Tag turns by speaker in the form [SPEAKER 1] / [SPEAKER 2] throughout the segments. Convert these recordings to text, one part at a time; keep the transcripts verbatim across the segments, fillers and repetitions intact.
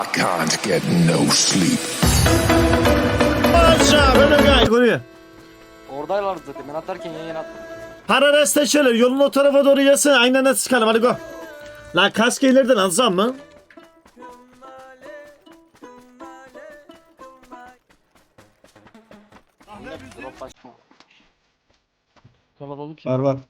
[SPEAKER 1] I can't get no sleep.
[SPEAKER 2] Aşağı böyle gay koruyor.
[SPEAKER 3] Oradaylar zaten. Ben atarken yan yana attım.
[SPEAKER 2] Para resteşeler yolun o tarafa doğru gelsin. Aynen nasıl çıkalım hadi go. Lan kask ileriden alacağım mı?
[SPEAKER 3] Drop başma.
[SPEAKER 4] Kalabalık
[SPEAKER 5] Var var.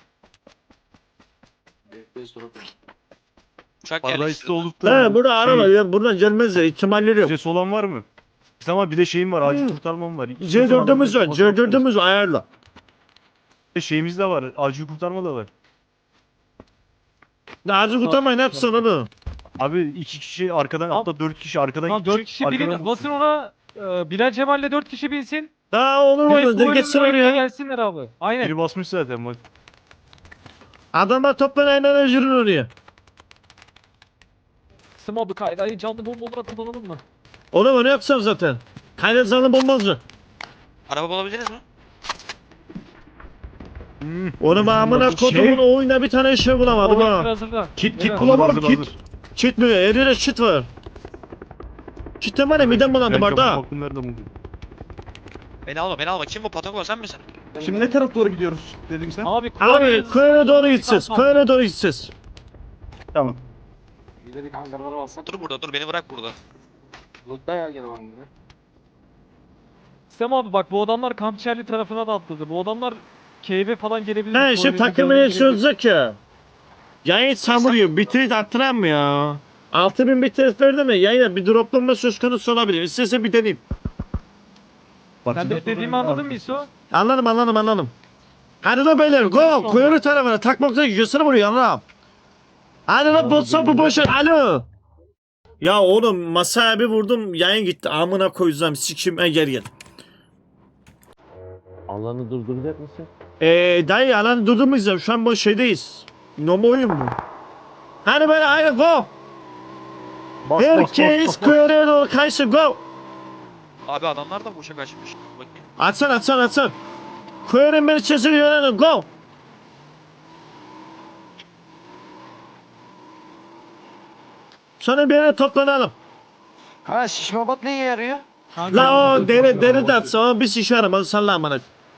[SPEAKER 3] Bekleyiz drop.
[SPEAKER 6] Uçak
[SPEAKER 4] Paradise
[SPEAKER 6] yerleştirdi.
[SPEAKER 4] olup da
[SPEAKER 2] He burada arama
[SPEAKER 4] şey,
[SPEAKER 2] ya buradan gelmez ya ihtimalleri yok.
[SPEAKER 4] ses olan var mı? Ama bir de şeyim var, acil kurtarmam var. İki
[SPEAKER 2] C dördümüz var
[SPEAKER 4] kurtarma-
[SPEAKER 2] C dördümüz ayarla.
[SPEAKER 4] Bir de şeyimiz de var, acil kurtarma da var.
[SPEAKER 2] Acil kurtarmayın hepsini onu.
[SPEAKER 4] Abi iki kişi arkadan, hatta dört kişi arkadan
[SPEAKER 7] Tamam dört kişi
[SPEAKER 4] arkadan-
[SPEAKER 7] binin. Basın ona. E, Bilal Cemal'le dört kişi binsin.
[SPEAKER 2] Daha olur mu?
[SPEAKER 7] Direkt
[SPEAKER 2] De
[SPEAKER 7] bu
[SPEAKER 2] geçsin
[SPEAKER 7] önüne
[SPEAKER 2] oraya.
[SPEAKER 7] gelsinler abi. Aynen.
[SPEAKER 4] Biri basmış zaten bak.
[SPEAKER 2] Adamlar toplan aynen yürün oraya.
[SPEAKER 7] Smobu kaydı. Canlı bombaları kullanalım mı?
[SPEAKER 2] Onu onu yapsam zaten. Kaynak zanlı bombazı.
[SPEAKER 6] Araba bulabildiniz mi?
[SPEAKER 4] Hmm.
[SPEAKER 2] Onu bağımına
[SPEAKER 4] Şey-
[SPEAKER 2] kodumun o oyunda bir tane şey bulamadım
[SPEAKER 7] Oyun
[SPEAKER 2] ha.
[SPEAKER 7] hazırda.
[SPEAKER 4] Kit kit
[SPEAKER 7] Beyler,
[SPEAKER 4] bulamadım,
[SPEAKER 2] Hazır,
[SPEAKER 4] kit.
[SPEAKER 2] Çit mi? Her yere çit var. Çitten var ya midem bulandı barda.
[SPEAKER 4] Baktım nerede buldum.
[SPEAKER 6] Beni alma beni alma. Kim bu Patagon sen misin?
[SPEAKER 5] Şimdi ne tarafa doğru gidiyoruz dedin sen?
[SPEAKER 7] Abi
[SPEAKER 2] Abi köye doğru gideceğiz.
[SPEAKER 7] Tamam.
[SPEAKER 2] Köye doğru gideceğiz.
[SPEAKER 5] Tamam.
[SPEAKER 3] İlerideki hangarları alsana.
[SPEAKER 6] Dur burada dur beni bırak burada.
[SPEAKER 3] Loot'ta ya gene hangarı.
[SPEAKER 7] Sem abi bak bu adamlar Kampçerli tarafına da atladı. Bu adamlar keyfe falan gelebilir.
[SPEAKER 2] Ha işte takımın hepsi olacak ya. Yayın samuruyor. Bitirit attıran mı ya? altı bin bitirit verdi mi? Yayına bir droplanma söz konusu olabilir. İstersen bir deneyim.
[SPEAKER 7] Sen de dediğimi anladın mı İso?
[SPEAKER 2] Anladım anladım anladım. Hadi lan beyler go. Kuyruğu tarafına takmakta gösterip vuruyor anlam. Hadi lan botsa bu boşver alo. Ya oğlum masaya bir vurdum yayın gitti. Amına koyacağım sikim e, gel gel.
[SPEAKER 8] Alanı durduracak mısın?
[SPEAKER 2] Eee dayı alanı durdurmayacağım. Şu an bu şeydeyiz. Normal oyun mu? Hadi böyle haydi go. Herkes kuyruğa doğru kaysın go.
[SPEAKER 6] Abi adamlar da bu uçak açmış. Bakayım.
[SPEAKER 2] Atsan atsan atsan. Kuyruğun beni çözülüyor go. Sonra bir yere toplanalım.
[SPEAKER 3] Ha şişme bat neye yarıyor?
[SPEAKER 2] La o deri deri de atsa o bir şişe aramalı salla amına.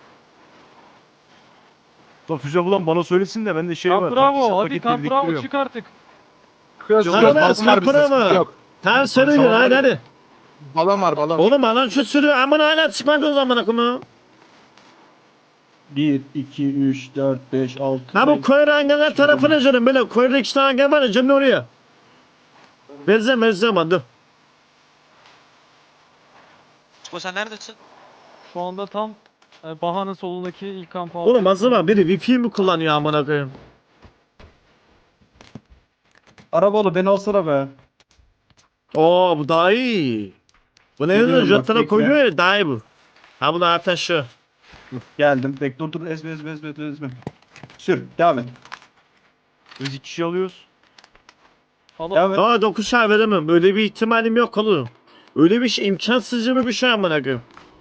[SPEAKER 4] Lan füze bulan bana söylesin de ben de şey var.
[SPEAKER 7] Kamp bravo.
[SPEAKER 4] Hesap
[SPEAKER 7] Hadi
[SPEAKER 4] paketi
[SPEAKER 7] kamp bravo
[SPEAKER 4] biriktiriyorum.
[SPEAKER 7] çık artık.
[SPEAKER 2] Hadi kapına mı? Tamam sürüyor hadi hadi.
[SPEAKER 5] Balon var balon.
[SPEAKER 2] Oğlum alan şu sürüyor amına hala çıkmadı o zaman akımı.
[SPEAKER 5] bir, iki, üç, dört, beş, altı.
[SPEAKER 2] Ha bu koyur hangiler tarafına canım böyle koyurda iki tane hangi var ya canım oraya. Benzem benzem hadi.
[SPEAKER 6] Çıko sen neredesin?
[SPEAKER 7] Şu anda tam e, Baha'nın solundaki ilk kamp altı.
[SPEAKER 2] Oğlum acaba biri Wi-Fi mi kullanıyor amına koyayım?
[SPEAKER 5] Arabalı beni alsana be.
[SPEAKER 2] Oo bu daha iyi. Bu ne
[SPEAKER 5] Biliyorum
[SPEAKER 2] yazıyor?
[SPEAKER 5] bak,
[SPEAKER 2] Jantana
[SPEAKER 5] bekle.
[SPEAKER 2] koyuyor ya daha iyi bu. Ha bu da zaten şu.
[SPEAKER 5] Geldim. Bekle dur dur ezme ezme ezme ezme, ezme. Sür devam et.
[SPEAKER 4] Biz iki kişi alıyoruz.
[SPEAKER 5] Devam et.
[SPEAKER 2] Aa dokuz ay veremem. Böyle bir ihtimalim yok oğlum. Öyle bir şey imkansızca bir şey amına koyayım.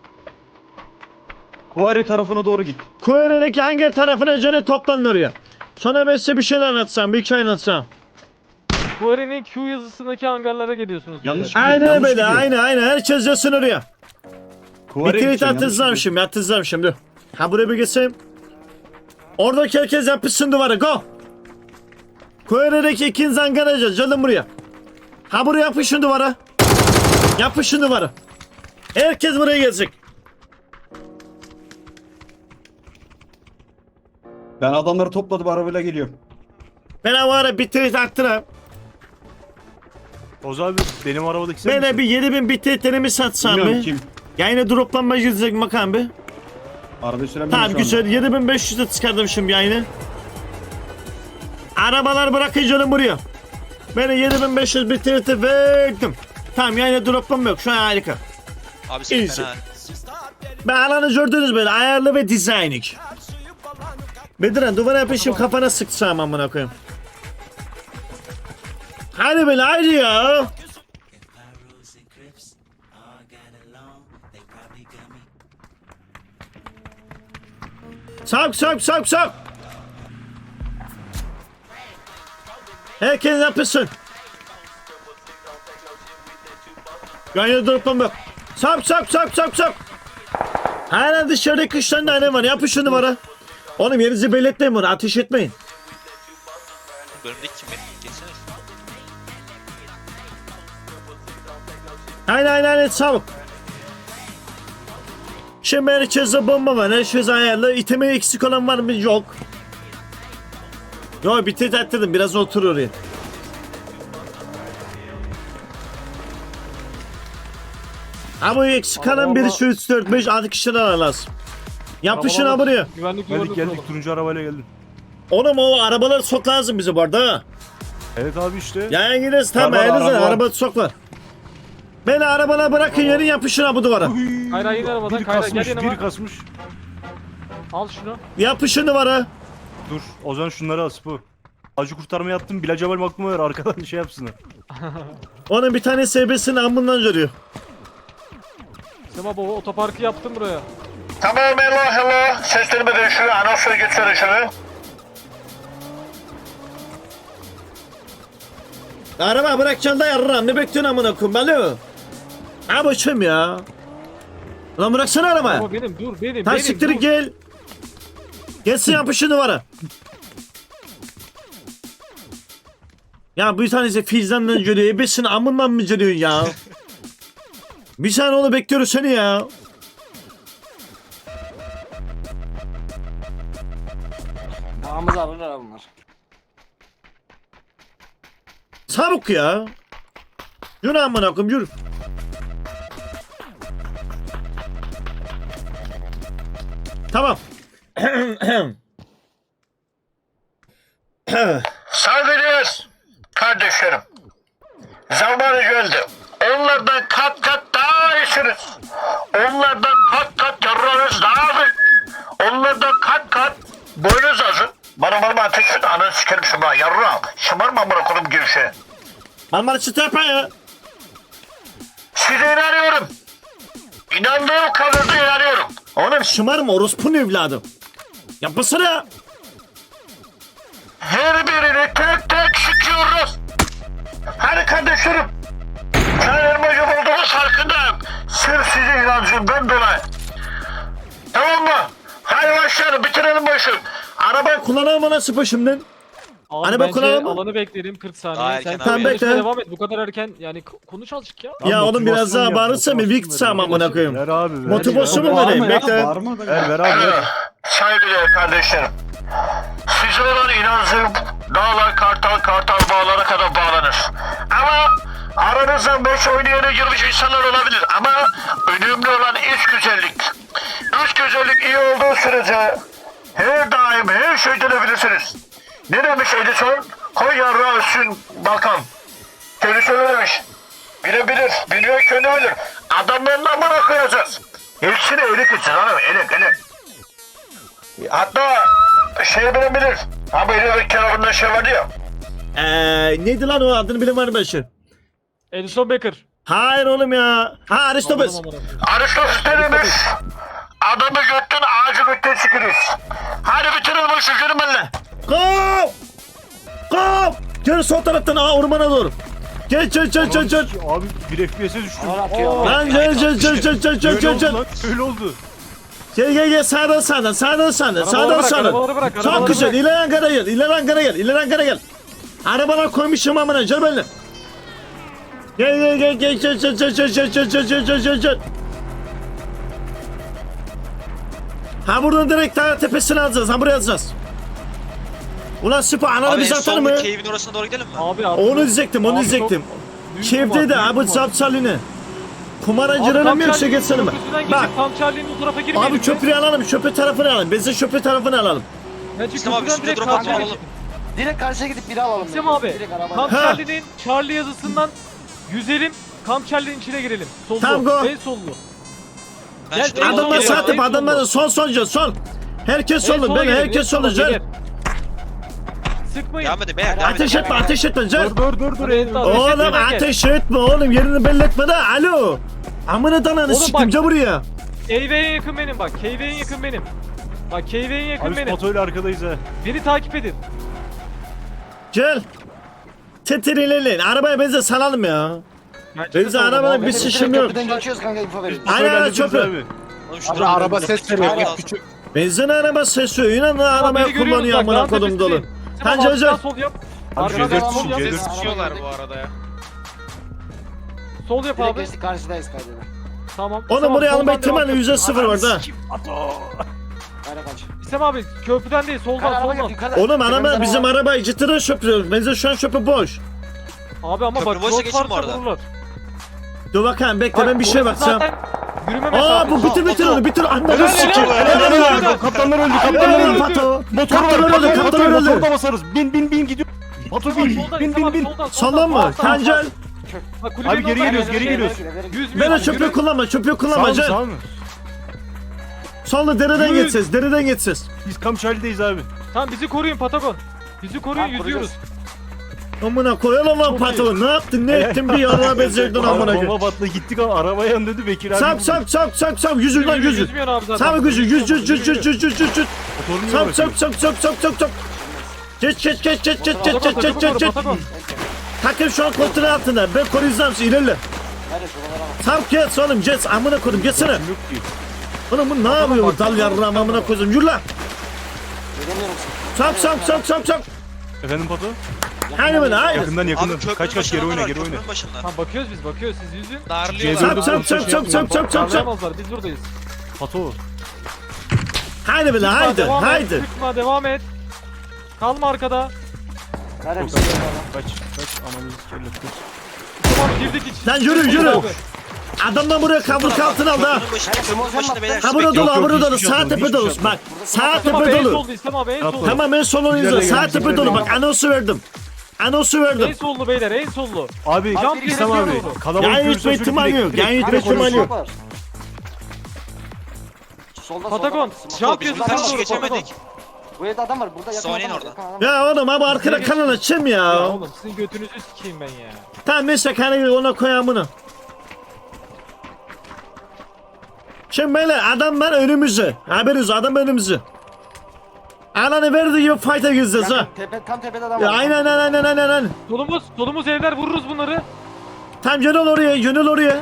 [SPEAKER 5] Kuvari tarafına doğru git.
[SPEAKER 2] Koyur'daki hangi tarafına canı toplanın oraya. Sonra ben size bir şeyler anlatsam, bir hikaye anlatsam.
[SPEAKER 7] Bu arenin Q yazısındaki hangarlara geliyorsunuz.
[SPEAKER 5] Yanlış.
[SPEAKER 2] Aynen
[SPEAKER 5] Yanlış
[SPEAKER 2] böyle,
[SPEAKER 5] gidiyor.
[SPEAKER 2] aynen aynen. Herkes yazsın oraya. Bir
[SPEAKER 5] Kuvari
[SPEAKER 2] tweet
[SPEAKER 5] gideceksin, yanlış
[SPEAKER 2] atacağım
[SPEAKER 5] gidiyor.
[SPEAKER 2] şimdi, atacağım şimdi. Ha buraya bir geçeyim. Oradaki herkes yapışsın duvara, go. Koyur'daki ikinci hangaracı, canım buraya. Ha buraya yapışın duvara. Yapışın duvara. Herkes buraya gelecek.
[SPEAKER 5] Ben adamları topladım arabayla geliyorum.
[SPEAKER 2] Ben o ara bir tweet attırım.
[SPEAKER 4] Oz abi benim arabadaki sen
[SPEAKER 2] Ben de
[SPEAKER 4] misin?
[SPEAKER 2] bir yedi bin bir tweetlerimi satsam
[SPEAKER 5] Bilmiyorum
[SPEAKER 2] bir.
[SPEAKER 5] kim.
[SPEAKER 2] Yayına droplanma girecek bakalım bir.
[SPEAKER 5] Arabayı süremiyorum
[SPEAKER 2] Tamam
[SPEAKER 5] şu
[SPEAKER 2] güzel yedi bin beş yüze çıkardım şimdi yayını. Arabalar bırakın canım buraya. Ben yedi bin beş yüz bir tweet'e verdim. Tamam yayına droplanma yok şu an harika.
[SPEAKER 6] Abi sen
[SPEAKER 2] İyisin.
[SPEAKER 6] fena.
[SPEAKER 2] Ben alanı gördünüz böyle ayarlı ve dizaynik. Bediren duvara yapışım kafana sıksam amına koyayım. Hadi böyle haydi ya. Sok sok sok sok. Herkes yapışsın. Yan yana durup bak. Sap sap sap sap sap. Hala dışarıda kış tane tane var. Yapın şu numara. Oğlum yerinizi belli etmeyin bunu. Ateş etmeyin.
[SPEAKER 6] Bölümdeki kim benim? Geçsene.
[SPEAKER 2] Aynen aynen aynen çabuk. Şimdi herkese bomba var. Her şey ayarlı. İtemi eksik olan var mı? Yok. Yok bitir tatlım. Biraz otur oraya. Ama eksik kalan biri şu üç dört beş altı kişiden lazım. Yapışın ha buraya.
[SPEAKER 7] Güvenlik duvarını
[SPEAKER 4] Geldik
[SPEAKER 7] kuralım.
[SPEAKER 4] geldik turuncu arabayla geldim.
[SPEAKER 2] Oğlum o arabaları sok lazım bize bu arada ha.
[SPEAKER 4] Evet abi işte.
[SPEAKER 2] Yayan gideriz tamam
[SPEAKER 5] Araba,
[SPEAKER 2] elinizle
[SPEAKER 5] araba.
[SPEAKER 2] araba soklar. Beni arabana bırakın yerin yapışın ha bu duvara.
[SPEAKER 4] Uy,
[SPEAKER 7] Kayra in arabadan,
[SPEAKER 4] biri
[SPEAKER 7] Kayra,
[SPEAKER 4] kasmış,
[SPEAKER 7] gel yanıma.
[SPEAKER 4] biri kasmış.
[SPEAKER 7] Al şunu.
[SPEAKER 2] Yapışın duvara.
[SPEAKER 4] Dur o zaman şunları al bu. Acı kurtarma yaptım. Bilal Cemal aklıma ver arkadan şey yapsınlar.
[SPEAKER 2] Onun bir tane S B'sini amından görüyor.
[SPEAKER 7] Sema baba otoparkı yaptım buraya.
[SPEAKER 2] Tamam hello hello. Seslerimi değiştiriyor. Anonsları geçiyor şunu. Araba bırakacaksın da yarram. Ne bekliyorsun amına koyayım balo? Ha başım ya. Lan bıraksana arabayı.
[SPEAKER 7] Baba benim dur benim
[SPEAKER 2] Tam
[SPEAKER 7] benim
[SPEAKER 2] siktir
[SPEAKER 7] dur.
[SPEAKER 2] gel. Gelsin yapışın duvara. Ya bir tanesi Fizan'dan görüyor. Ebesini amından mı görüyorsun ya? Bir saniye onu bekliyoruz seni ya.
[SPEAKER 3] Dağımızı alırlar bunlar.
[SPEAKER 2] Çabuk ya. Yürü amına koyayım yürü. Tamam. Saygıdeğer kardeşlerim. Zamanı geldi. Onlardan kat kat daha iyisiniz. Onlardan kat kat yararınız daha büyük. Onlardan kat kat boynuz azın. Bana bana ateş et. Ananı sikerim şuna. Yarrağım. Şımarma amına koyayım gevşe. Marmara çıtı yapma ya. Size inanıyorum. İnandığım kadar da inanıyorum. Oğlum şımarma orospunun evladım. Yapmasana. Her birini tek tek sıkıyoruz. Hadi kardeşlerim. Kendim hocam olduğumuz farkındayım. Sırf sizin inancımdan dolayı. Tamam mı? Hadi başlayalım bitirelim bu işi. Arabayı kullanalım nasıl başımdan?
[SPEAKER 7] Abi
[SPEAKER 2] Hani
[SPEAKER 7] bence
[SPEAKER 2] bakalım mı?
[SPEAKER 7] alanı bekleyelim kırk saniye.
[SPEAKER 6] Daha
[SPEAKER 7] Sen
[SPEAKER 6] erken
[SPEAKER 7] tamam,
[SPEAKER 2] abi.
[SPEAKER 7] konuşmaya
[SPEAKER 2] Bekle.
[SPEAKER 7] devam et. Bu kadar erken yani k- konuş azıcık ya.
[SPEAKER 2] Ya
[SPEAKER 4] Lan
[SPEAKER 2] oğlum biraz
[SPEAKER 4] motivasyon
[SPEAKER 2] daha
[SPEAKER 4] yap,
[SPEAKER 2] bağırırsa mı?
[SPEAKER 4] motivasyon
[SPEAKER 2] Vikt
[SPEAKER 4] ver.
[SPEAKER 2] sağım amına koyayım.
[SPEAKER 4] Ver abi ver.
[SPEAKER 2] Motivasyon mu
[SPEAKER 5] Bağırma
[SPEAKER 2] vereyim?
[SPEAKER 5] ya,
[SPEAKER 2] Bekle.
[SPEAKER 5] bağırma da.
[SPEAKER 4] Ver ver abi ver.
[SPEAKER 2] Saygıdeğer kardeşlerim. Size olan inancım dağlar kartal kartal bağlara kadar bağlanır. Ama aranızdan beş oynayana girmiş insanlar olabilir. Ama önemli olan iç güzellik. İç güzellik iyi olduğu sürece her daim her şey dönebilirsiniz. Ne demiş Edison? Koy yarrağı üstün bakan. Kendisi öyle demiş. Bilebilir, biliyor kendi bilir. Adamlarla amına koyacağız. Hepsini elik için hanım, elik elik. Hatta şey bilebilir. Abi elinde kenarında şey vardı ya. Eee neydi lan o adını bilen var mı başı?
[SPEAKER 7] Edison Becker.
[SPEAKER 2] Hayır oğlum ya. Ha Aristoteles.
[SPEAKER 7] Anladım, anladım.
[SPEAKER 2] Aristoteles ne demiş? Adamı götten ağacı götten çıkırız. Hadi bitirelim bu işi yürü benimle. Kov! Kov! Gel sol taraftan aa ormana doğru. Gel gel gel gel gel.
[SPEAKER 4] Abi bir F P S'e düştüm.
[SPEAKER 3] Ağır atıyor.
[SPEAKER 2] Lan gel gel gel gel gel gel
[SPEAKER 4] Öyle
[SPEAKER 2] gel
[SPEAKER 4] oldu
[SPEAKER 2] gel.
[SPEAKER 4] lan. Öyle oldu.
[SPEAKER 2] Gel gel gel sağdan sağdan sağdan sağdan
[SPEAKER 7] Arabaları
[SPEAKER 2] sağdan
[SPEAKER 7] bırak,
[SPEAKER 2] sağdan.
[SPEAKER 7] arabaları bırak,
[SPEAKER 2] Çok
[SPEAKER 7] arabaları
[SPEAKER 2] güzel
[SPEAKER 7] bırak.
[SPEAKER 2] ileri Ankara gel ileri Ankara gel ileri Ankara gel. Arabalar koymuşum amına gel benimle. Gel gel gel gel gel gel gel gel gel gel gel gel gel gel. Ha buradan direkt daha tepesine alacağız ha buraya alacağız. Ulan süper ananı
[SPEAKER 6] Abi en
[SPEAKER 2] bize atar mı?
[SPEAKER 6] sondaki cave'in orasına doğru gidelim mi?
[SPEAKER 7] Abi abi.
[SPEAKER 2] Onu diyecektim onu
[SPEAKER 7] Abi
[SPEAKER 2] diyecektim.
[SPEAKER 7] çok-
[SPEAKER 2] Kevde de abi zapsaline. Kumaracılarına mı yoksa geçsene mi? Bak
[SPEAKER 7] Tam Charlie'nin o tarafa girmeyelim.
[SPEAKER 2] abi köprüyü alalım köprü tarafını alalım. Biz de köprü tarafını alalım.
[SPEAKER 7] Bence
[SPEAKER 6] İslam abi
[SPEAKER 7] köprüden
[SPEAKER 6] üstüne
[SPEAKER 7] direkt
[SPEAKER 6] drop
[SPEAKER 7] Tam
[SPEAKER 6] atma
[SPEAKER 7] Charlie.
[SPEAKER 6] alalım.
[SPEAKER 3] Direkt karşıya gidip biri alalım.
[SPEAKER 7] İslam abi.
[SPEAKER 3] Direkt araba.
[SPEAKER 7] Tam
[SPEAKER 2] Ha.
[SPEAKER 7] Charlie'nin Charlie yazısından yüzelim. Tam Charlie'nin içine girelim. Sollu.
[SPEAKER 2] Tamam, go.
[SPEAKER 7] En sollu.
[SPEAKER 6] Ben
[SPEAKER 7] Gel,
[SPEAKER 6] şu tarafa
[SPEAKER 7] en
[SPEAKER 2] Adamlar
[SPEAKER 7] son
[SPEAKER 6] doğru
[SPEAKER 2] sağ
[SPEAKER 7] geliyor.
[SPEAKER 2] tepe adamlar da sol sol sol sol. Herkes
[SPEAKER 7] En
[SPEAKER 2] solun
[SPEAKER 7] sola
[SPEAKER 2] ben
[SPEAKER 7] girelim, en
[SPEAKER 2] herkes
[SPEAKER 7] sola,
[SPEAKER 2] solun gel.
[SPEAKER 7] gel. Sıkmayın.
[SPEAKER 6] Devam edin beyler devam edin.
[SPEAKER 2] Ateş etme ateş etme gel.
[SPEAKER 4] Dur dur dur dur.
[SPEAKER 7] Ateş etme,
[SPEAKER 2] Oğlum
[SPEAKER 7] gel.
[SPEAKER 2] ateş etme oğlum yerini belli etme de alo. Amına dananı
[SPEAKER 7] Oğlum
[SPEAKER 2] siktim
[SPEAKER 7] bak.
[SPEAKER 2] gel buraya.
[SPEAKER 7] K V'ye yakın benim bak. K V'ye yakın benim. Bak K V'ye yakın
[SPEAKER 4] Abi
[SPEAKER 7] benim.
[SPEAKER 4] Spato'yla arkadayız ha.
[SPEAKER 7] Beni takip edin.
[SPEAKER 2] Gel. Tetir ilerleyin arabaya benzer salalım ya. Benzi
[SPEAKER 7] de
[SPEAKER 2] arabanın
[SPEAKER 7] solda.
[SPEAKER 2] bir
[SPEAKER 3] Biz
[SPEAKER 2] sıçım yok.
[SPEAKER 3] köprüden geçiyoruz kanka info verin.
[SPEAKER 2] Aynen aynen
[SPEAKER 4] Hallederiz
[SPEAKER 2] çöpü.
[SPEAKER 4] abi.
[SPEAKER 6] Oğlum şu
[SPEAKER 9] Abi
[SPEAKER 6] durum-
[SPEAKER 9] araba ses veriyor.
[SPEAKER 6] Aynen.
[SPEAKER 9] Git küçük.
[SPEAKER 2] Benzin araba sesi inan
[SPEAKER 7] Tamam,
[SPEAKER 2] arabaya
[SPEAKER 7] beni görüyoruz
[SPEAKER 2] kullanıyor
[SPEAKER 7] bak,
[SPEAKER 2] amına
[SPEAKER 7] dağın
[SPEAKER 2] kodum dolu.
[SPEAKER 7] tepesindeyim.
[SPEAKER 2] Sen
[SPEAKER 7] Tamam,
[SPEAKER 2] Cevdet.
[SPEAKER 7] arkadan sol yap.
[SPEAKER 4] Abi
[SPEAKER 7] Arkadan
[SPEAKER 4] C dört
[SPEAKER 7] sol yap.
[SPEAKER 4] C dört.
[SPEAKER 6] Sıkıyorlar bu arada ya.
[SPEAKER 7] Sol yap
[SPEAKER 3] Direkt
[SPEAKER 7] abi.
[SPEAKER 3] geçtik karşıdayız kaydede.
[SPEAKER 7] Tamam.
[SPEAKER 2] Oğlum
[SPEAKER 7] Tamam,
[SPEAKER 2] buraya alma
[SPEAKER 7] soldan
[SPEAKER 2] ihtimali
[SPEAKER 7] devam.
[SPEAKER 2] yüzde sıfır var da.
[SPEAKER 3] Kayra kaç.
[SPEAKER 7] İstem abi köprüden değil soldan
[SPEAKER 3] Kayra araba
[SPEAKER 7] soldan.
[SPEAKER 3] gel yukarıda.
[SPEAKER 2] Oğlum araba
[SPEAKER 3] Tepemizden
[SPEAKER 2] bizim
[SPEAKER 3] araba.
[SPEAKER 2] arabayı cidden şöpürüyoruz. Benzin şu an şöpü boş.
[SPEAKER 7] Abi ama
[SPEAKER 6] Köprü
[SPEAKER 7] bak
[SPEAKER 6] boşsa
[SPEAKER 7] yol
[SPEAKER 6] geçin bu
[SPEAKER 7] varsa
[SPEAKER 6] arada.
[SPEAKER 7] vururlar.
[SPEAKER 2] Dur bakayım bekle
[SPEAKER 7] Bak,
[SPEAKER 2] ben bir şey
[SPEAKER 7] orası
[SPEAKER 2] bakacağım.
[SPEAKER 7] zaten Yürüme
[SPEAKER 2] Aa
[SPEAKER 7] mesafesi.
[SPEAKER 2] bu bitir bitir onu bitir. Anladın
[SPEAKER 7] Helal,
[SPEAKER 2] sikeyim.
[SPEAKER 7] helal,
[SPEAKER 2] Helal
[SPEAKER 7] helal,
[SPEAKER 2] helal.
[SPEAKER 7] helal.
[SPEAKER 4] Kaptanlar öldü, kaptanlar
[SPEAKER 2] Helal
[SPEAKER 4] öldü.
[SPEAKER 2] Pato.
[SPEAKER 4] Motor var,
[SPEAKER 2] Kaptanlar öldü
[SPEAKER 4] motor
[SPEAKER 2] kaptanlar
[SPEAKER 4] var,
[SPEAKER 2] öldü.
[SPEAKER 4] motorda basarız. Bin bin bin gidiyor. Batu
[SPEAKER 7] Soldan,
[SPEAKER 4] bin,
[SPEAKER 7] soldan,
[SPEAKER 4] bin
[SPEAKER 7] İstem
[SPEAKER 4] bin
[SPEAKER 7] abi,
[SPEAKER 4] bin.
[SPEAKER 7] soldan,
[SPEAKER 2] Soldan mı?
[SPEAKER 7] sağ, sağ,
[SPEAKER 2] Kancel.
[SPEAKER 7] sağ. Bak, kulübenin
[SPEAKER 4] Abi geri
[SPEAKER 7] oradan
[SPEAKER 4] geliyoruz,
[SPEAKER 7] gel,
[SPEAKER 4] geri
[SPEAKER 7] gel,
[SPEAKER 4] geliyoruz.
[SPEAKER 7] gel. Yüz
[SPEAKER 2] Ben o
[SPEAKER 7] metre,
[SPEAKER 2] çöpü
[SPEAKER 7] yürü.
[SPEAKER 2] kullanma çöpü
[SPEAKER 4] Sağ
[SPEAKER 2] kullanma
[SPEAKER 4] mı,
[SPEAKER 2] Can.
[SPEAKER 4] sağ mı?
[SPEAKER 2] Solda dereden
[SPEAKER 7] Yürü.
[SPEAKER 2] geçeceğiz dereden geçeceğiz.
[SPEAKER 4] Biz Kamçali'deyiz abi.
[SPEAKER 7] Tamam bizi koruyun Patagon. Bizi koruyun
[SPEAKER 3] Tamam,
[SPEAKER 7] yüzüyoruz.
[SPEAKER 2] Amına koyalım lan
[SPEAKER 7] Çok
[SPEAKER 2] Pato. Ne yaptın ne ettin bir yarına bezdirdin amına koyayım.
[SPEAKER 4] Bomba patladı gittik ama arabaya yan dedi Bekir abi.
[SPEAKER 2] Sap sap sap sap sap yüzü lan
[SPEAKER 7] Yürü,
[SPEAKER 2] yüzü.
[SPEAKER 7] yüzmüyor abi zaten.
[SPEAKER 2] Sap yüzü yüz yüz yüz yüz yüz yüz yüz yüz.
[SPEAKER 4] Motorunu
[SPEAKER 2] Sap
[SPEAKER 4] bırakıyor.
[SPEAKER 2] sap sap sap sap sap sap. Geç geç geç geç geç geç geç geç geç geç.
[SPEAKER 7] Patagon.
[SPEAKER 2] Takım şu an kontrol altında. Ben koruyacağım sizi ilerle.
[SPEAKER 3] Nerede şuralara bak.
[SPEAKER 2] Sap geç oğlum geç amına koydum geçsene.
[SPEAKER 4] Yok ki.
[SPEAKER 2] Oğlum bu ne yapıyor bu dal yarrağım amına koydum yürü lan.
[SPEAKER 3] Göremiyorum seni.
[SPEAKER 2] Sap sap sap sap sap.
[SPEAKER 4] Efendim Pato?
[SPEAKER 2] Haydi bana haydi.
[SPEAKER 4] Yakından yakından.
[SPEAKER 6] Abi köprünün
[SPEAKER 4] Kaç kaç geri
[SPEAKER 6] başında
[SPEAKER 4] oyna
[SPEAKER 6] var,
[SPEAKER 4] geri oyna.
[SPEAKER 6] köprünün başında.
[SPEAKER 7] Tamam bakıyoruz biz bakıyoruz siz yüzün.
[SPEAKER 6] Darlıyorlar.
[SPEAKER 2] Sap sap sap sap sap sap sap sap.
[SPEAKER 7] Darlayamazlar biz buradayız.
[SPEAKER 4] Pato.
[SPEAKER 2] Haydi bile
[SPEAKER 7] Çıkma,
[SPEAKER 2] haydi
[SPEAKER 7] devam et,
[SPEAKER 2] haydi.
[SPEAKER 7] Çıkma devam et. Kalma arkada.
[SPEAKER 3] Nerede
[SPEAKER 4] Çok
[SPEAKER 3] bir şey yok
[SPEAKER 4] Kaç kaç anamızı kelle kaç.
[SPEAKER 7] Tamam girdik iç.
[SPEAKER 2] Lan yürü yürü.
[SPEAKER 7] Abi.
[SPEAKER 2] Adamdan buraya kaburka altına aldı ha.
[SPEAKER 6] Köprünün başında, köprünün başında beyler.
[SPEAKER 2] Ha burada dolu ha
[SPEAKER 4] yok,
[SPEAKER 2] burada dolu.
[SPEAKER 4] hiçbir şey
[SPEAKER 2] Sağ
[SPEAKER 4] yapmadım,
[SPEAKER 2] tepe
[SPEAKER 4] hiçbir
[SPEAKER 2] dolu.
[SPEAKER 4] şey
[SPEAKER 2] Bak sağ
[SPEAKER 7] İstem abi
[SPEAKER 2] tepe
[SPEAKER 7] en
[SPEAKER 2] dolu.
[SPEAKER 7] soldu İstem abi en
[SPEAKER 4] Yapma.
[SPEAKER 7] soldu.
[SPEAKER 2] Tamam en solunu izle.
[SPEAKER 4] Güzel
[SPEAKER 2] Sağ
[SPEAKER 4] gelmiş,
[SPEAKER 2] tepe
[SPEAKER 4] güzel
[SPEAKER 2] dolu.
[SPEAKER 4] gelmiş.
[SPEAKER 2] Bak anonsu verdim. Anonsu
[SPEAKER 7] En
[SPEAKER 2] verdim.
[SPEAKER 7] sollu beyler en sollu.
[SPEAKER 4] Abi
[SPEAKER 7] Jump
[SPEAKER 4] İslam
[SPEAKER 7] yere
[SPEAKER 4] abi.
[SPEAKER 7] doğru.
[SPEAKER 4] Kalabalık
[SPEAKER 2] Yayın
[SPEAKER 4] görürsen
[SPEAKER 2] yutma
[SPEAKER 4] şöyle
[SPEAKER 2] ihtimali
[SPEAKER 4] direkt-
[SPEAKER 2] yok.
[SPEAKER 4] direkt-
[SPEAKER 2] Yayın yutma
[SPEAKER 3] Kanka,
[SPEAKER 2] ihtimali
[SPEAKER 3] konuşma
[SPEAKER 2] yok.
[SPEAKER 3] var. Solda
[SPEAKER 7] Patagon.
[SPEAKER 3] solda.
[SPEAKER 7] Jump
[SPEAKER 6] Biz bu
[SPEAKER 7] yazısına
[SPEAKER 6] karşı
[SPEAKER 7] doğru Patagon.
[SPEAKER 6] geçemedik.
[SPEAKER 3] Bu evde adam var. Burada yakın
[SPEAKER 6] Sony'nin
[SPEAKER 3] adam var.
[SPEAKER 6] orada.
[SPEAKER 3] yakın adam var.
[SPEAKER 2] Ya oğlum abi arkada kanal açayım
[SPEAKER 7] Ya
[SPEAKER 2] ya.
[SPEAKER 7] oğlum sizin götünüzü sikeyim ben ya.
[SPEAKER 2] Tamam neyse kanalı ona koyayım bunu. Şimdi böyle adam var önümüzde. Haberiniz adam önümüzde. Alanı verdiği gibi fight'a gireceğiz ha.
[SPEAKER 3] Yakın, tepe, tam tepede adam
[SPEAKER 2] Ya
[SPEAKER 3] var.
[SPEAKER 2] aynen aynen aynen aynen aynen.
[SPEAKER 7] Solumuz solumuz evler vururuz bunları.
[SPEAKER 2] Tam yönel oraya yönel oraya.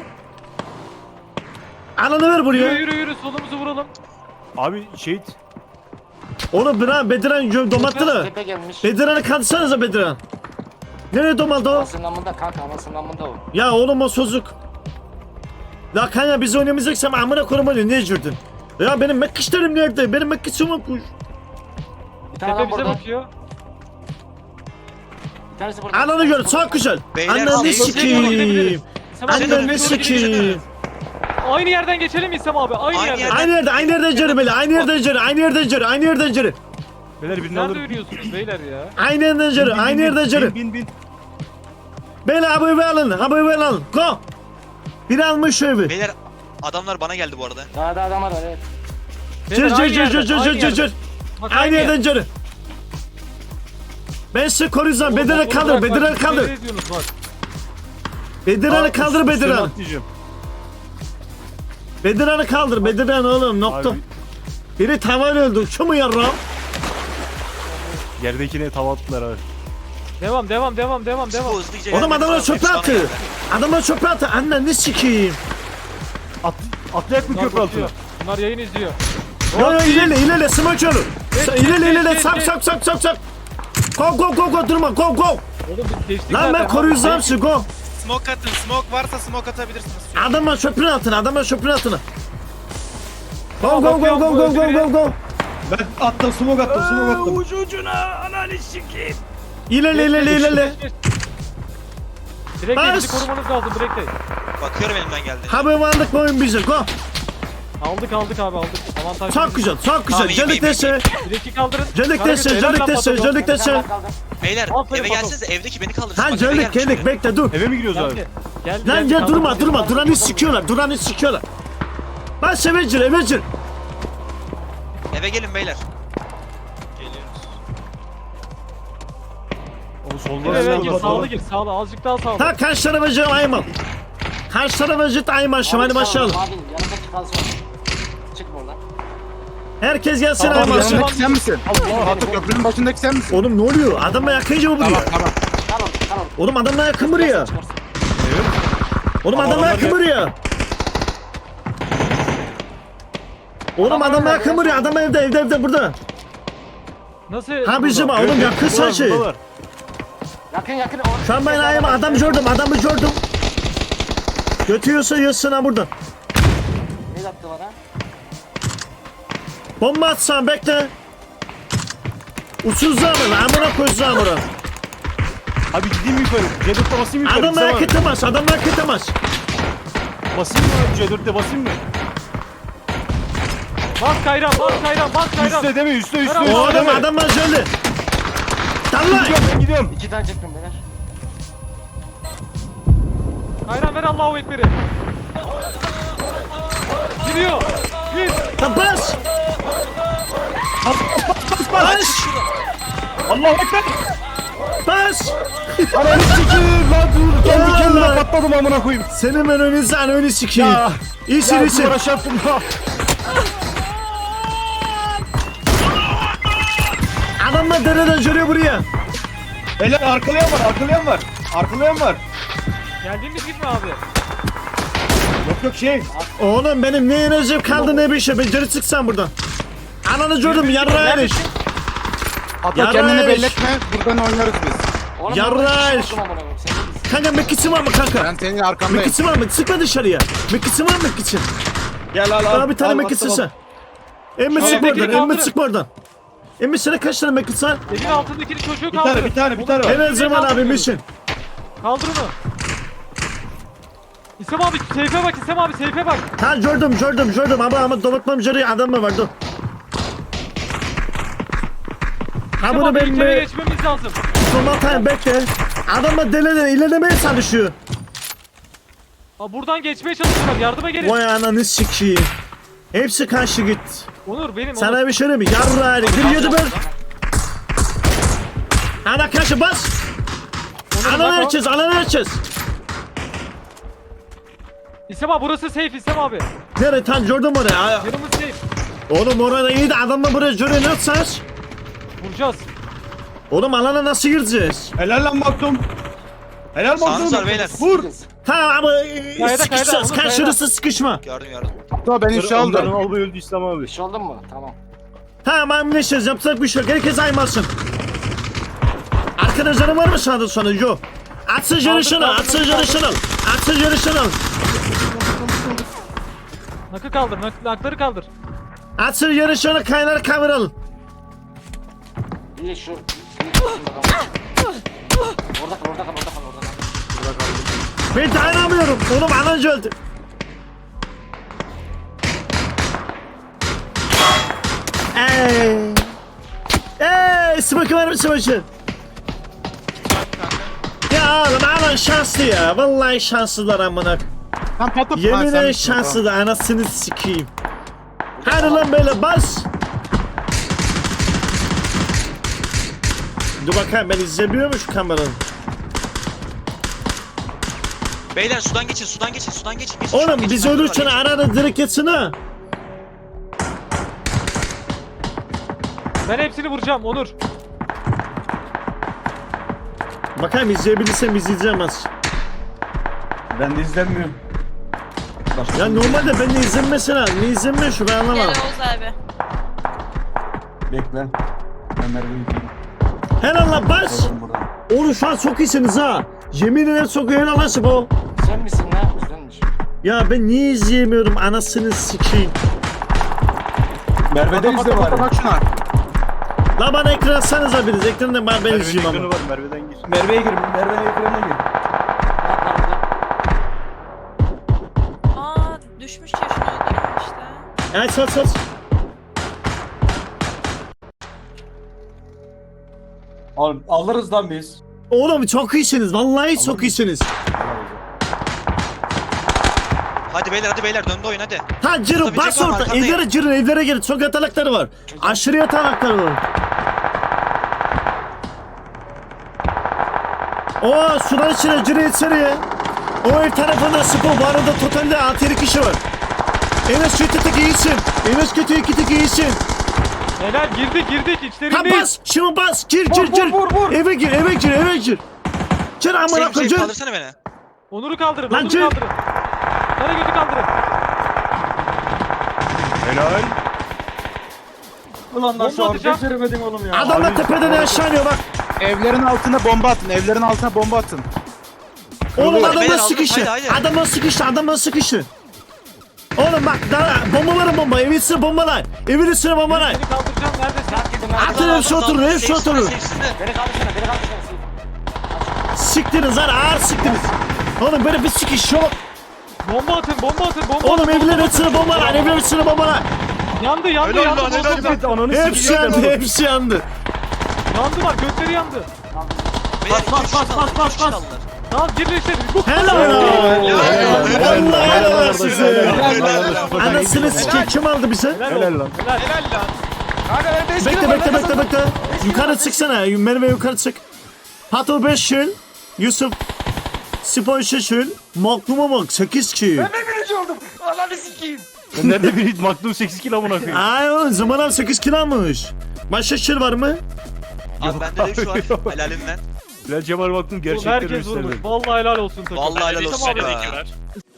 [SPEAKER 2] Alanı ver
[SPEAKER 7] Yürü
[SPEAKER 2] buraya.
[SPEAKER 7] yürü yürü solumuzu vuralım.
[SPEAKER 4] Abi şehit.
[SPEAKER 2] Onu Bediran Bediran gö- domattılar.
[SPEAKER 3] Tepe gelmiş.
[SPEAKER 2] Bediran'ı kaldırsanıza Bediran. Nereye domaldı o?
[SPEAKER 3] Anasının amında kanka anasının amında o.
[SPEAKER 2] Ya oğlum o sözlük. La kanka biz oynamayacaksam amına koyma niye girdin? Ya benim mekkişlerim nerede? Benim mekkişim yokmuş.
[SPEAKER 3] Bir tane
[SPEAKER 7] Tepe
[SPEAKER 3] adam
[SPEAKER 7] bize
[SPEAKER 3] burada.
[SPEAKER 7] bakıyor.
[SPEAKER 3] Bir tanesi burada.
[SPEAKER 2] Ananı gör çok güzel.
[SPEAKER 6] Beyler,
[SPEAKER 2] Ananı
[SPEAKER 6] şey-
[SPEAKER 2] sikiyim.
[SPEAKER 7] İstem abi,
[SPEAKER 2] Ananı
[SPEAKER 7] doğru
[SPEAKER 2] sikiyim.
[SPEAKER 7] gidebiliriz. Aynı yerden geçelim mi İstem abi? Aynı,
[SPEAKER 6] Aynı
[SPEAKER 7] yerden.
[SPEAKER 6] yerden.
[SPEAKER 2] Aynı yerde aynı yerden ceri böyle. Aynı yerden ceri. Aynı yerden ceri. Aynı yerden ceri.
[SPEAKER 4] Beyler birini
[SPEAKER 7] Nerede
[SPEAKER 4] alır.
[SPEAKER 7] yürüyorsunuz beyler ya?
[SPEAKER 2] Aynı yerden ceri. Aynı yerden ceri.
[SPEAKER 4] Bin bin bin.
[SPEAKER 2] Beyler abi evi alın. Abi evi alın. Go. Biri almış şu evi.
[SPEAKER 6] Beyler adamlar bana geldi bu arada.
[SPEAKER 3] Daha da adam var evet.
[SPEAKER 2] Cır
[SPEAKER 7] Beyler,
[SPEAKER 2] cır
[SPEAKER 7] aynı
[SPEAKER 2] cır
[SPEAKER 7] yerden,
[SPEAKER 2] cır cır
[SPEAKER 7] aynı
[SPEAKER 2] cır cır
[SPEAKER 7] yerden.
[SPEAKER 2] cır.
[SPEAKER 7] Bak,
[SPEAKER 2] Aynı
[SPEAKER 7] yer.
[SPEAKER 2] yerden ceri. Ben sizi koruyacağım.
[SPEAKER 7] Oğlum,
[SPEAKER 2] Bediran'ı
[SPEAKER 7] motoru
[SPEAKER 2] kaldır.
[SPEAKER 7] bırak, bak,
[SPEAKER 2] Bediran'ı
[SPEAKER 7] siz
[SPEAKER 2] kaldır.
[SPEAKER 7] ne ediyorsunuz bak.
[SPEAKER 2] Bediran'ı kaldır
[SPEAKER 4] Üstüne
[SPEAKER 2] Bediran.
[SPEAKER 4] atlayacağım.
[SPEAKER 2] Bediran'ı kaldır. Bediran oğlum nokta.
[SPEAKER 4] Abi
[SPEAKER 2] Biri tavan öldü. Şu mu yarram?
[SPEAKER 4] yerdekine tava attılar abi.
[SPEAKER 7] Devam devam devam devam devam.
[SPEAKER 6] Bu hızlıca
[SPEAKER 2] Oğlum
[SPEAKER 6] gelmemiz
[SPEAKER 2] adamlar
[SPEAKER 6] lazım.
[SPEAKER 2] çöpe
[SPEAKER 6] Hepsi bana
[SPEAKER 2] attı.
[SPEAKER 6] geldi.
[SPEAKER 2] Adamlar çöpe attı. Annen ne sikiyim.
[SPEAKER 4] At, atlayak mı
[SPEAKER 7] Bunlar
[SPEAKER 4] köprü altına?
[SPEAKER 7] bakıyor. Bunlar yayın izliyor.
[SPEAKER 2] Yo yo ilerle ilerle smaç yolu.
[SPEAKER 7] Evet,
[SPEAKER 2] İlerle
[SPEAKER 7] evet,
[SPEAKER 2] ilerle
[SPEAKER 7] evet,
[SPEAKER 2] sap
[SPEAKER 7] evet.
[SPEAKER 2] sap sap sap sap. Go go go go durma go go.
[SPEAKER 7] Oğlum biz geçtik
[SPEAKER 2] Lan
[SPEAKER 7] zaten.
[SPEAKER 2] ben koruyacağım sizi go.
[SPEAKER 10] Smoke atın. Smoke varsa smoke atabilirsiniz.
[SPEAKER 2] Adamlar çöpün altına adamlar çöpün altına. Go
[SPEAKER 7] Tamam,
[SPEAKER 2] go go
[SPEAKER 7] bakıyorum,
[SPEAKER 2] go
[SPEAKER 7] bu
[SPEAKER 2] go go
[SPEAKER 7] öldürüyor.
[SPEAKER 2] go go.
[SPEAKER 5] Ben attım smoke attım smoke attım.
[SPEAKER 4] Ucu ucuna ananı sikeyim.
[SPEAKER 2] İlerle ilerle ilerle.
[SPEAKER 7] Direkt
[SPEAKER 2] Bas.
[SPEAKER 7] bizi korumanız lazım direkt değil.
[SPEAKER 6] Bakıyorum elimden geldi.
[SPEAKER 2] Haber varlık boyun bize go.
[SPEAKER 7] Aldık aldık abi aldık. Avantaj.
[SPEAKER 2] Çok güzel çok güzel.
[SPEAKER 6] Tamam, iyi,
[SPEAKER 2] Celik
[SPEAKER 6] iyi, iyi.
[SPEAKER 2] dese.
[SPEAKER 7] Direk'i kaldırın.
[SPEAKER 2] Celik dese
[SPEAKER 7] Karagöz, helal
[SPEAKER 2] celik
[SPEAKER 7] lan
[SPEAKER 2] dese
[SPEAKER 7] Patagon.
[SPEAKER 2] celik
[SPEAKER 3] Bir tane
[SPEAKER 2] dese.
[SPEAKER 3] daha kaldı.
[SPEAKER 6] Beyler
[SPEAKER 7] Aferin
[SPEAKER 6] eve
[SPEAKER 7] Pato.
[SPEAKER 6] gelsenize evdeki beni kaldırsın.
[SPEAKER 2] Ha
[SPEAKER 6] Bak, eve
[SPEAKER 2] celik
[SPEAKER 6] gelmiş
[SPEAKER 2] celik
[SPEAKER 6] biri.
[SPEAKER 2] bekle dur.
[SPEAKER 4] Eve mi gidiyoruz abi?
[SPEAKER 7] Geldi. Geldi.
[SPEAKER 2] Lan
[SPEAKER 7] geldi,
[SPEAKER 2] gel
[SPEAKER 7] kaldı.
[SPEAKER 2] durma durma duranı sikiyorlar duranı sikiyorlar. Bak sevecir evecir.
[SPEAKER 6] Eve gelin beyler. Geliyoruz.
[SPEAKER 4] O soldan
[SPEAKER 7] Gir eve
[SPEAKER 4] soldan
[SPEAKER 7] gir
[SPEAKER 4] soldan.
[SPEAKER 7] sağlı gir sağlı azıcık daha sağlı.
[SPEAKER 2] Ha karşı tarafa cır ayman. Karşı tarafa cır ayman şu hadi başlayalım.
[SPEAKER 3] Abi yanındaki kalsın. Çıkma oradan.
[SPEAKER 2] Herkes gelsin
[SPEAKER 7] Tamam,
[SPEAKER 2] ayman.
[SPEAKER 7] yanına-
[SPEAKER 9] Yanındaki sen misin? Allah Hatta köprünün başındaki sen misin?
[SPEAKER 2] Oğlum ne oluyor? Adamla yakınca mı buraya?
[SPEAKER 9] Tamam tamam.
[SPEAKER 3] Tamam tamam.
[SPEAKER 2] Oğlum adamla yakın buraya.
[SPEAKER 3] Çıkarsın.
[SPEAKER 2] Oğlum
[SPEAKER 4] Ama
[SPEAKER 2] adamlar
[SPEAKER 4] adamlar
[SPEAKER 2] kımırıyor. Oğlum
[SPEAKER 3] Adamlar
[SPEAKER 2] adamlar
[SPEAKER 3] nerede?
[SPEAKER 2] kımırıyor. Adam evde evde evde burada.
[SPEAKER 7] Nasıl?
[SPEAKER 2] Ha bizim
[SPEAKER 7] burada?
[SPEAKER 2] oğlum yakın
[SPEAKER 4] Buradalar,
[SPEAKER 2] saçı.
[SPEAKER 4] buradalar.
[SPEAKER 3] Yakın yakın.
[SPEAKER 2] Şu an ben ayağıma adam gördüm adamı gördüm. Götüyorsa yiyorsun ha burada.
[SPEAKER 3] Ne yaptı bana?
[SPEAKER 2] Bomba atsan bekle. Uçsuz zamır. Amına koy zamırı.
[SPEAKER 4] Abi gideyim mi yukarı? C dörtte basayım mı yukarı?
[SPEAKER 2] Adamlar
[SPEAKER 4] Tamam.
[SPEAKER 2] kıtamaz. Adamlar kıtamaz.
[SPEAKER 4] Basayım mı abi? C dörtte basayım mı?
[SPEAKER 7] Bas Kayran, bas Kayran, bas Kayran.
[SPEAKER 4] Üste deme üste üste
[SPEAKER 7] Tamam,
[SPEAKER 4] üste
[SPEAKER 2] Oğlum
[SPEAKER 4] deme.
[SPEAKER 2] adamlar şöyle. Dallay.
[SPEAKER 4] Gidiyorum ben gidiyorum.
[SPEAKER 3] İki tane çektim beyler.
[SPEAKER 7] Kayran ver Allahu Ekber'i. Gidiyor. Git.
[SPEAKER 2] Lan bas. Bas.
[SPEAKER 4] Allahu ekber.
[SPEAKER 2] Bas.
[SPEAKER 4] Ananı sikeyim lan dur. Kendi
[SPEAKER 2] Ya
[SPEAKER 4] kendime
[SPEAKER 2] Allah.
[SPEAKER 4] patladım amına koyayım.
[SPEAKER 2] Senin ben önünü sen önü sikeyim.
[SPEAKER 4] Ya.
[SPEAKER 2] İyisin
[SPEAKER 4] Ya
[SPEAKER 2] iyisin.
[SPEAKER 4] duvara çarptım ya.
[SPEAKER 2] Adamlar dereden görüyor buraya.
[SPEAKER 5] Beyler arkalayan var, arkalayan var. Arkalayan var.
[SPEAKER 7] Geldiğimiz gibi mi abi?
[SPEAKER 5] Yok yok şey.
[SPEAKER 2] Oğlum benim ne enerjim kaldı ne bir şey. Ben geri çıksam buradan. Ananı gördüm yarrağı eriş.
[SPEAKER 9] Hatta
[SPEAKER 2] Yarın
[SPEAKER 9] kendini
[SPEAKER 2] eriş.
[SPEAKER 9] belli etme. Buradan oynarız biz.
[SPEAKER 3] Oğlum
[SPEAKER 2] Yarraş.
[SPEAKER 3] ben bir şey buldum amına koyayım, sen ne diyorsun?
[SPEAKER 2] Kanka mekisi var mı kanka?
[SPEAKER 9] Ben senin arkandayım.
[SPEAKER 2] Mekisi var mı? Sıkma dışarıya. Mekisi var mı mekisi?
[SPEAKER 5] Gel al al.
[SPEAKER 2] Bana bir tane
[SPEAKER 5] Al,
[SPEAKER 2] mekisi
[SPEAKER 5] al,
[SPEAKER 2] sen. Emmi
[SPEAKER 7] Şöyle
[SPEAKER 2] sık
[SPEAKER 7] bekle,
[SPEAKER 2] oradan. Emmi
[SPEAKER 7] kaldırın.
[SPEAKER 2] sık oradan. Emmi sana kaç tane mekisi var?
[SPEAKER 7] Evin altındakini çocuğu
[SPEAKER 5] Bir
[SPEAKER 7] kaldır.
[SPEAKER 5] tane bir tane bir tane var.
[SPEAKER 2] En zaman abi mission.
[SPEAKER 7] Kaldır onu. İsem abi seyfe bak, İsem abi seyfe bak.
[SPEAKER 2] Ha gördüm gördüm gördüm ama ama domatmam jarı adam mı vardı? Ha
[SPEAKER 7] İsem
[SPEAKER 2] bunu
[SPEAKER 7] abi
[SPEAKER 2] ben
[SPEAKER 7] ilk eve
[SPEAKER 2] mi?
[SPEAKER 7] geçmemiz lazım.
[SPEAKER 2] Domatayım bekle. Adamla deleden ilerlemeye çalışıyor.
[SPEAKER 7] Aa, buradan geçmeye çalışıyorlar, yardıma gelin.
[SPEAKER 2] Vay ananı sikeyim. Hepsi karşı git.
[SPEAKER 7] Onur benim, Onur.
[SPEAKER 2] Sana bir şey mi? Yarrağı giriyordu ben. Ana karşı bas.
[SPEAKER 7] Onur,
[SPEAKER 2] Anan
[SPEAKER 7] bak o.
[SPEAKER 2] açacağız anan açacağız.
[SPEAKER 7] İsem abi burası safe İsem abi.
[SPEAKER 2] Nereye tam gördüm oraya. Aa,
[SPEAKER 7] Yanımız safe.
[SPEAKER 2] Oğlum orada iyi de adamla buraya görüyor ne yapacağız?
[SPEAKER 7] Vuracağız.
[SPEAKER 2] Oğlum alana nasıl gireceğiz?
[SPEAKER 5] Helal lan Maktum. Helal
[SPEAKER 6] Sağınız
[SPEAKER 5] Maktum.
[SPEAKER 6] var beyler.
[SPEAKER 5] Vur.
[SPEAKER 2] Tamam ama
[SPEAKER 7] kayda,
[SPEAKER 2] sıkışacağız.
[SPEAKER 7] onu
[SPEAKER 2] Karşılıklı sıkışma.
[SPEAKER 6] Gördüm gördüm.
[SPEAKER 9] Hatta ben işe
[SPEAKER 4] Onların
[SPEAKER 9] aldım.
[SPEAKER 4] albay öldü İslam abi.
[SPEAKER 3] Bir şey oldu mu? Tamam.
[SPEAKER 2] Tamam amneşiz yapacak bir şey yok. Herkes aymasın. Arkadaşların var mı sağda sonra? Yok. Atsın yarışını,
[SPEAKER 7] kaldır,
[SPEAKER 2] atsın
[SPEAKER 7] kaldır.
[SPEAKER 2] yarışını. Atsın yarışını.
[SPEAKER 7] Nakı kaldır, nak nakları kaldır.
[SPEAKER 2] Atsın yarışını kaynar kavuralım.
[SPEAKER 3] İyi şu. Orada kal, orada kal, orada kal, orada kal.
[SPEAKER 2] Ben dayanamıyorum. Oğlum ananca öldü. Ey. Ey, smoke var mı smoke? Ya oğlum anan şanslı ya. Vallahi şanslılar amına.
[SPEAKER 9] Tam patlat.
[SPEAKER 2] Yemin ederim şanslı da anasını sikeyim. Hadi lan böyle bas. Dur bakayım ben izlemiyor mu şu kameranı?
[SPEAKER 6] Beyler sudan geçin sudan geçin sudan geçin. geçin şuradan
[SPEAKER 2] Oğlum
[SPEAKER 6] geçin,
[SPEAKER 2] biz
[SPEAKER 6] ben
[SPEAKER 2] ölürken
[SPEAKER 6] şuradan
[SPEAKER 2] arada direkt geçsin ha.
[SPEAKER 7] Ben hepsini vuracağım Onur.
[SPEAKER 2] Bakayım izleyebilirsem izleyeceğim az.
[SPEAKER 5] Ben de izlenmiyorum.
[SPEAKER 2] Ya normalde ben de izlenmesine lazım. Ne izlenmiyor şu ben
[SPEAKER 11] Gel
[SPEAKER 2] anlamadım.
[SPEAKER 11] Oğuz abi.
[SPEAKER 5] Bekle. Ben Merve'yi yıkayayım.
[SPEAKER 2] Helal lan bas.
[SPEAKER 5] Oğlum buradan.
[SPEAKER 2] Oğlum şu an çok iyisiniz ha. Yemin ederim çok iyi helal lan bu.
[SPEAKER 3] Sen misin lan? Güzelmiş.
[SPEAKER 2] Ya ben niye izleyemiyorum anasını sikeyim.
[SPEAKER 5] Merve'de
[SPEAKER 9] Patlat
[SPEAKER 5] izle
[SPEAKER 9] patlat
[SPEAKER 5] bari.
[SPEAKER 9] patlat şuna.
[SPEAKER 2] La bana ekran atsanıza biriniz. Ekrandan ben ben
[SPEAKER 4] Merve'nin
[SPEAKER 2] izleyeyim
[SPEAKER 4] ekranı
[SPEAKER 2] ama.
[SPEAKER 4] var Merve'den gir.
[SPEAKER 5] Merve'ye gir. Merve'nin ekranına gir.
[SPEAKER 3] Bak lan burada.
[SPEAKER 11] Aa düşmüş ya şunu öldürün işte.
[SPEAKER 2] Ay sat sat.
[SPEAKER 5] Al, alırız lan biz.
[SPEAKER 2] Oğlum çok iyisiniz. Vallahi çok iyisiniz.
[SPEAKER 6] Hadi beyler hadi beyler döndü oyun hadi.
[SPEAKER 2] Ha girin
[SPEAKER 6] Tabii,
[SPEAKER 2] bas
[SPEAKER 6] çek var,
[SPEAKER 2] orada.
[SPEAKER 6] arkandayım.
[SPEAKER 2] Evlere girin evlere girin. Çok yatalakları var. Aşırı yatalakları var. Oo sudan içine girin içeriye. O ev tarafında spor. Bu arada totalde altı yedi kişi var. Enes kötü tek iyisin. Enes kötü iki tek iyisin.
[SPEAKER 7] Helal girdik girdik
[SPEAKER 2] Ha
[SPEAKER 7] içlerindeyiz.
[SPEAKER 2] bas. Şimdi bas. Gir gir
[SPEAKER 7] Vur,
[SPEAKER 2] gir.
[SPEAKER 7] vur, vur, vur.
[SPEAKER 2] Eve gir eve gir eve gir. Gir amına
[SPEAKER 6] Sevim sevim
[SPEAKER 2] koyayım.
[SPEAKER 6] kaldırsana beni.
[SPEAKER 7] Onur'u kaldırın.
[SPEAKER 2] Lan
[SPEAKER 7] Onur'u
[SPEAKER 2] kim?
[SPEAKER 7] kaldırın. Kara götü kaldırın.
[SPEAKER 4] Helal.
[SPEAKER 5] Ulan
[SPEAKER 7] lan şu an
[SPEAKER 5] beceremedim oğlum ya.
[SPEAKER 2] Adamlar tepeden aşağı iniyor bak.
[SPEAKER 9] Evlerin altına bomba atın. Evlerin altına bomba atın.
[SPEAKER 2] Oğlum
[SPEAKER 6] Beyler,
[SPEAKER 2] adamlar
[SPEAKER 6] aldım,
[SPEAKER 2] sıkıştı.
[SPEAKER 6] haydi, haydi.
[SPEAKER 2] Adamlar sıkıştı. Adamlar sıkıştı. Oğlum bak daha bombaların bomba. Evin içine bombalar. Evin içine bombalar.
[SPEAKER 7] Seni kaldıracağım. Neredesin?
[SPEAKER 2] Atın hepsi oturur. Hepsi oturur.
[SPEAKER 3] Beni kaldırsana, beni kaldırsana.
[SPEAKER 2] Siktiniz lan ağır siktiniz. Oğlum böyle bir sikiş yok.
[SPEAKER 7] Bomba atın. Bomba atın. Bomba
[SPEAKER 2] Oğlum
[SPEAKER 7] atın.
[SPEAKER 2] evlerin içine bombalar. Evlerin içine bombalar.
[SPEAKER 7] Yandı yandı
[SPEAKER 6] Helal
[SPEAKER 7] yandı.
[SPEAKER 6] lan, helal
[SPEAKER 7] Yandı,
[SPEAKER 6] lan.
[SPEAKER 4] Evet ananı
[SPEAKER 2] Hepsi
[SPEAKER 4] sikeceğim
[SPEAKER 2] yandı.
[SPEAKER 4] oğlum.
[SPEAKER 2] Hepsi yandı.
[SPEAKER 7] yandı var. Götleri yandı.
[SPEAKER 6] Beyler iki üç kişi aldılar. iki üç kişi aldılar.
[SPEAKER 7] Tamam girin işte. Bu
[SPEAKER 2] Helal lan. Vallahi helal olsun size.
[SPEAKER 6] Helal.
[SPEAKER 2] Anasını sikeyim. Kim aldı bizi?
[SPEAKER 7] Helal
[SPEAKER 4] Helal
[SPEAKER 7] olsun.
[SPEAKER 4] lan.
[SPEAKER 7] Helal.
[SPEAKER 10] Helal lan.
[SPEAKER 2] Bekle bekle bekle bekle. Yukarı çıksana. Merve yukarı çık. Pato beş şil. Yusuf Spor şil. Makluma bak sekiz kişi.
[SPEAKER 4] Ben nerede bir Magnum sekiz kilo amına koyayım.
[SPEAKER 2] Ay oğlum Zaman abi sekiz kilo almış. Başka şil var mı?
[SPEAKER 6] Abi bende de şu var. Helalinden.
[SPEAKER 4] Bilal Cemal Magnum
[SPEAKER 7] Oğlum
[SPEAKER 4] gerçekleri
[SPEAKER 7] herkes vurmuş.
[SPEAKER 4] gösterdi.
[SPEAKER 7] Vallahi helal olsun takım.
[SPEAKER 6] Vallahi helal
[SPEAKER 10] Tamam
[SPEAKER 6] olsun.
[SPEAKER 10] abi,
[SPEAKER 6] be.
[SPEAKER 10] teşekkürler.